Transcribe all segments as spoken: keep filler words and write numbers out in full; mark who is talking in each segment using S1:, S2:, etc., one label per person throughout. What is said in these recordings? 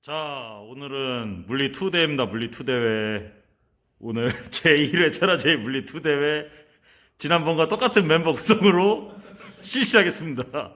S1: 자, 오늘은 물리 이 대회입니다. 물리 이 대회. 오늘 제일 회 천하제일 물리 이 대회 지난번과 똑같은 멤버 구성으로 실시하겠습니다.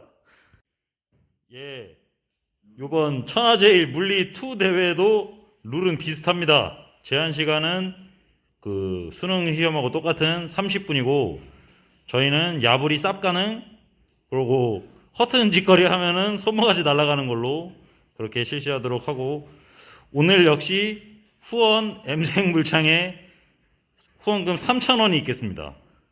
S1: 예, 이번 천하제일 물리 이 대회도 룰은 비슷합니다. 제한 시간은 그 수능 시험하고 똑같은 삼십 분이고 저희는 야불이 쌉 가능, 그리고 허튼 짓거리 하면은 손모가지 날아가는 걸로 그렇게 실시하도록 하고, 오늘 역시 후원 엠생 물창에 후원금 삼천 원이 있겠습니다.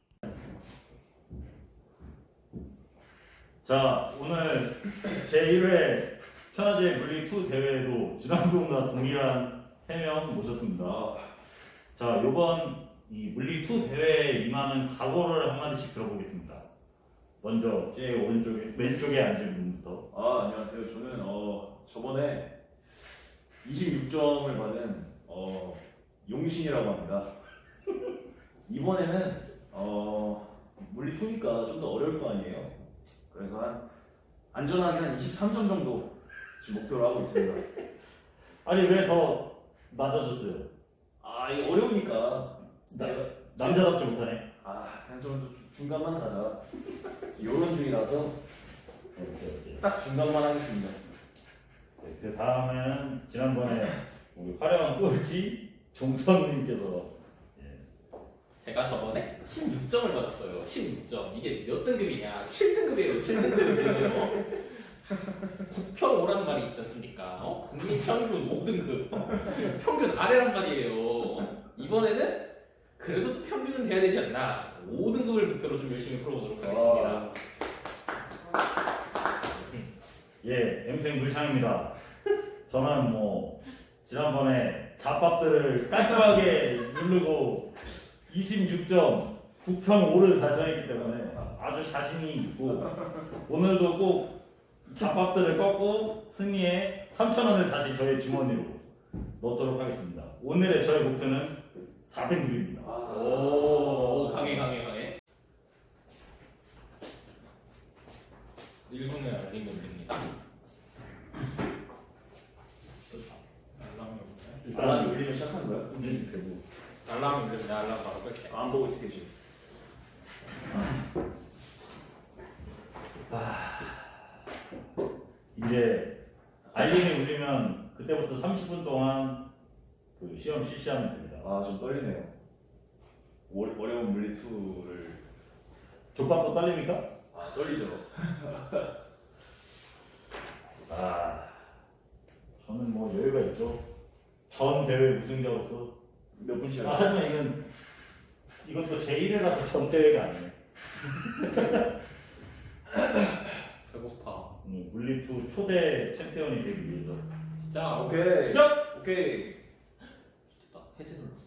S1: 자, 오늘 제일 회 천하제일 물리 이 대회에도 지난번과 동일한 세 명 모셨습니다. 자, 요번 이 물리 이 대회에 임하는 각오를 한마디씩 들어보겠습니다. 먼저 제 오른쪽에 왼쪽에 앉은 분부터.
S2: 아, 안녕하세요. 저는 어 저번에 이십육 점을 받은 어 용신이라고 합니다. 이번에는 어 물리 이니까 좀 더 어려울 거 아니에요. 그래서 한 안전하게 한 이십삼 점 정도 지금 목표로 하고 있습니다.
S1: 아니 왜 더 낮아졌어요?
S2: 아, 이게 어려우니까
S1: 나-
S2: 제가
S1: 남자답지 못하네.
S2: 아, 그냥 좀 중간만 가자. 요런 중이라서
S1: 오케이, 오케이.
S2: 딱 중간만 하겠습니다.
S1: 네, 그 다음에는 지난번에 우리 화려한 꼴찌 종선님께서
S3: 제가 저번에 십육 점을 받았어요. 십육 점. 이게 몇 등급이냐? 칠 등급이에요. 칠 등급이에요. 국평 오란 말이 있지 않습니까? 어? 국민 평균 오 등급. 평균 아래란 말이에요. 이번에는 그래도 또 평균은 돼야 되지 않나? 오 등급을 목표로 좀 열심히 풀어보도록 하겠습니다.
S1: 예, 엠생 물창입니다. 저는 뭐 지난번에 잡밥들을 깔끔하게 누르고 이십육 점 국평 오를 달성했기 때문에 아주 자신이 있고, 오늘도 꼭 잡밥들을 꺾고 승리에 삼천 원을 다시 저의 주머니로 넣도록 하겠습니다. 오늘의 저의 목표는 사 등급입니다.
S3: 오, 강해, 강해, 강해. 일 분에 알림이 올립니다. 알람이 오네.
S2: 알람이 울리면 시작하는 거야?
S1: 운전 되고.
S3: 알람이 울리면 내 알람 바로 끌게.
S2: 안 보고 있을게 지금.
S1: 이제 알림이 울리면 그때부터 삼십 분 동안 그 시험 실시하면 됩니다.
S2: 아, 좀 떨리네요. 어, 어려운 물리 이를
S1: 족밥도 떨립니까?
S2: 아, 떨리죠.
S1: 아, 저는 뭐 여유가 있죠. 전 대회 우승자로서.
S2: 몇 분씩
S1: 아,
S2: 하죠?
S1: 하지만 이건 이건 또 제일 회라서 전 대회가 아니네.
S3: 배고파.
S1: 음, 물리투 초대 챔피언이 되기 위해서.
S3: 진짜
S2: 오케이.
S1: 시작!
S2: 오케이.
S3: 됐다. 해제 눌렀어.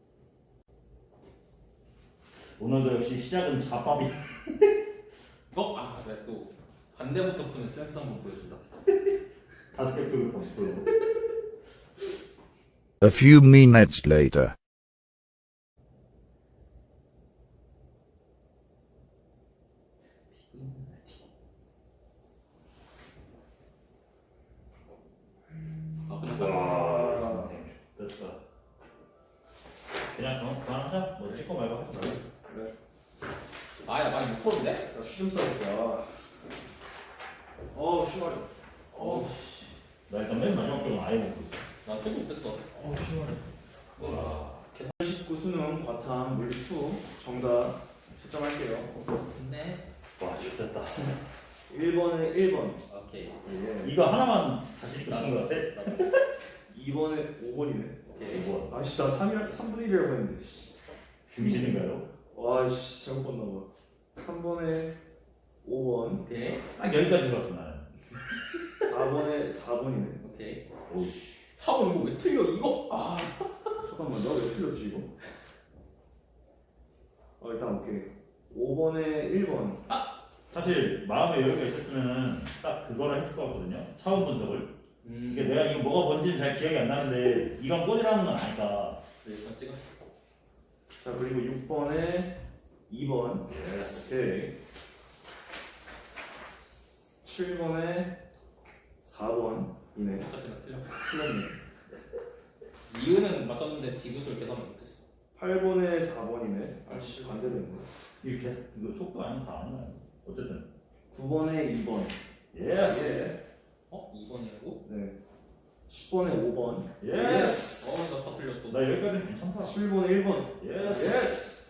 S1: 오늘도 역시 시작은 잡밥이.
S3: 어? 아, 내가 또 반대부터 푸는 센스 한번 보여준다.
S1: 다섯 개 풀고 다섯 풀고.
S4: A few minutes later.
S3: 아, 근데
S1: 와, 됐어. 그냥 좀 그만하자. 뭐 찍고 말고 하자.
S2: 그래.
S3: 아야 많이 못 푸는데?
S2: 나 쉬좀 써볼까. 어우, 심하죠. 어우,
S1: 나 일단 맨 마지막 쪽은 아예 못 보고.
S3: 나 세고 못했어.
S2: 어우, 심하네.
S1: 와.
S2: 십구 수능 과탐 물리 이 정답 채점할게요.
S3: 근데
S1: 와, 좋겠다.
S2: 일 번에 일 번.
S3: 오케이.
S2: 예.
S1: 이거 하나만 자신 있게 푼것 같아?
S2: 이 번에 오 번이네.
S3: 오케이.
S1: 뭐
S2: 아씨, 나 삼, 삼분의 일이라고 했는데. 씨.
S1: 중신인가요?
S2: 와씨, 잘못 봤나 봐. 삼 번에 오 번.
S3: 오케이.
S1: 딱 여기까지 들었어 나는.
S2: 사 번에 사 번이네.
S3: 오케이.
S1: 오씨.
S3: 사 번 이거 왜 틀려? 이거? 아.
S2: 잠깐만, 나 왜 틀렸지 이거? 어, 일단 오케이. 오 번에 일 번.
S1: 사실 마음에 여유가 있었으면은 딱 그거를 했을 것 같거든요. 차원 분석을.
S3: 음.
S1: 이게 내가 이거 뭐가 뭔지는 잘 기억이 안 나는데 이건 꼴이라는 건 아니까.
S3: 네, 일단 찍었어.
S2: 자, 그리고 육 번에 이 번. 오케이. 칠 번에 사 번. 이네.
S3: 똑같은 거 틀려.
S2: 틀렸네.
S3: 이유는 맞췄는데 디귿을 계산을 못했어.
S2: 팔 번에 사 번이네. 아씨 반대로 했네.
S1: 이거 계속 이거 속도 아니면 다 안 나요. 어쨌든.
S2: 구 번에 이 번.
S1: 예스.
S2: 예.
S3: 어? 이 번이라고?
S2: 네. 십 번에 오 번.
S1: 예스.
S3: 어, 나 다 틀렸어.
S1: 나 여기까지는 괜찮다.
S2: 십일 번에 일 번.
S1: 예스.
S2: 예스.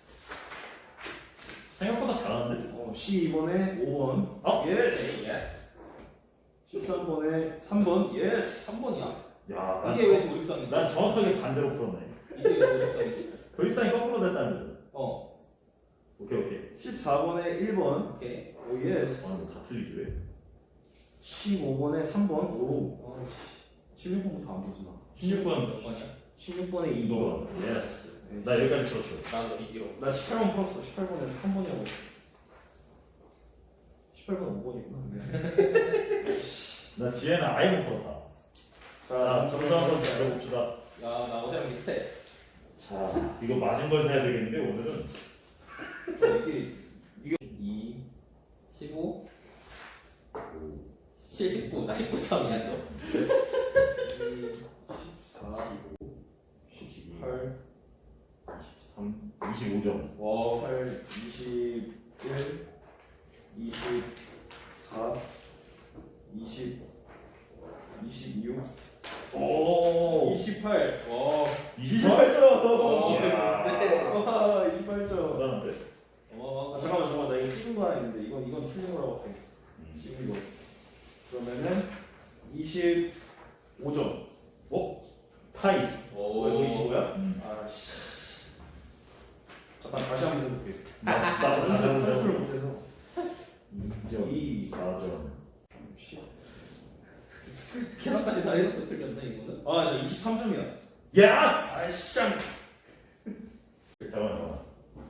S1: 생각보다 잘하는데.
S2: 어, 십이 번에 오 번.
S1: 어?
S2: 예스.
S3: 오케이, 예스.
S2: 십삼 번에 삼 번. 예스.
S3: 삼 번이야.
S1: 야, 난,
S3: 이게 왜 도립성이지?
S1: 난 정확하게 반대로 풀었네.
S3: 이게 왜 도립성이지?
S1: 도입상이 거꾸로 됐다는 거죠.
S3: 어,
S1: 오케이 오케이.
S2: 십사 번에 일 번.
S3: 오케이.
S2: 오 예스.
S1: 아, 이거 다 틀리지 왜?
S2: 십오 번에 삼 번. 오.
S3: 어,
S2: 십육 번부터 안 보지 나.
S1: 십육 번.
S3: 몇 번이야?
S2: 십육 번에 이 번.
S1: 이거. 예스.
S2: 네.
S1: 나 여기까지 풀었어.
S3: 나도 이기로.
S2: 나 십팔 번 풀었어. 십팔 번에 삼 번이라고. 십팔 번 오 번이구나.
S1: 나 뒤에는 아예 못 풀었다. 자, 점수 한번 잘해봅시다.
S3: 야, 나 어제랑 비슷해.
S1: 자, 이거 맞은 걸 사야 되겠는데 오늘은.
S2: 자, 이게 이게 이,
S3: 십오, 칠, 십구. 나 십구 점이야 또.
S2: 십사, 십팔,
S1: 삼, 이십오 점.
S3: 와,
S2: 십팔, 이십일, 이십사, 이십, 이십육,
S1: 오.
S2: 이십팔.
S3: 와,
S1: 이십 점?
S2: 이십팔 점.
S3: 어,
S1: 이야.
S2: 와, 이십팔 점.
S1: 대단한데?
S3: 와,
S2: 아, 잠깐만, 잠깐만. 나 이거 찍은 거 하나 있는데 이건 이건 틀린 거라고 할게. 찍은 거. 그러면은 이십오 점.
S1: 어? 타이.
S3: 오,
S2: 왜 이십오야?
S1: 음.
S2: 아씨. 잠깐 다시 한번 해볼게.
S1: 나, 나
S2: 선수
S1: 선수,
S2: 선수를
S1: 선수.
S2: 못해서.
S1: 이 점.
S2: 이.
S1: 사 점.
S3: 계산까지 다 해놓고 틀렸네 이거는.
S2: 아, 나 이십삼 점이야.
S1: 예스!
S2: 아이씨.
S1: 잠깐만, 잠깐만.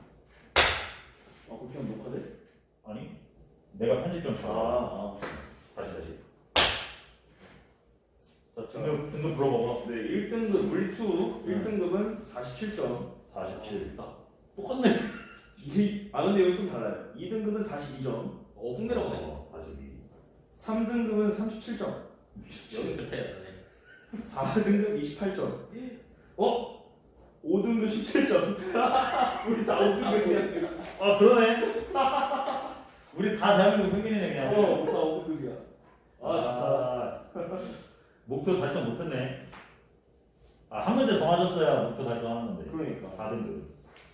S2: 아, 그렇게 하면 녹화돼?
S1: 아니, 내가 편집점
S2: 아,
S1: 쳐.
S2: 아.
S1: 다시, 다시. 자, 등급, 등급 불어봐봐.
S2: 네, 일 등급 물투 일 등급은 사십칠 점.
S1: 사십칠. 똑같네.
S2: 이, 아, 근데 여기 좀 달라요. 이 등급은 사십이 점.
S3: 오, 승대로 보네.
S1: 어, 사십이.
S2: 삼 등급은 삼십칠 점.
S3: 여기 그 차이 나네.
S2: 사 등급 이십팔 점. 어? 오 등급 십칠 점. 우리 다 오 등급이야.
S1: 아, 그러네. 우리 다 대한민국 평균이네, 그냥.
S2: 어, 다 오 등급이야. 아, 좋다.
S1: 아, 목표 달성 못했네. 아, 한 문제 더 맞았어야 목표 달성하는 건데.
S2: 그러니까.
S1: 사 등급.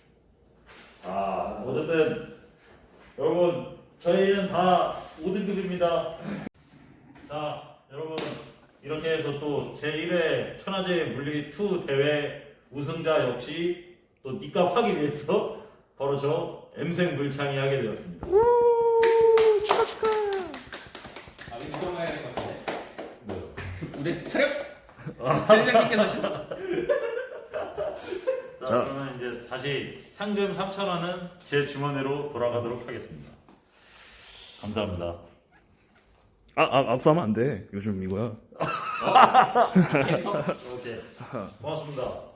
S1: 아, 어쨌든 여러분 저희는 다 오 등급입니다. 자, 여러분 이렇게 해서 또 제일 회 천하제 물리 이 대회 우승자 역시 또 니값 하기 위해서 바로 저 엠생 물창이 하게 되었습니다.
S3: 아, 우리 이동 가야 될 것 같은데.
S1: 네.
S3: 우대 차렷. 대장님께서 시작.
S1: 자, 그러면 이제 다시 상금 삼천 원은 제 주머니로 돌아가도록 하겠습니다. 감사합니다.
S5: 아, 아 앞서면 안 돼. 요즘 이거야.
S3: 괜찮아.
S1: 오케이. 고맙습니다.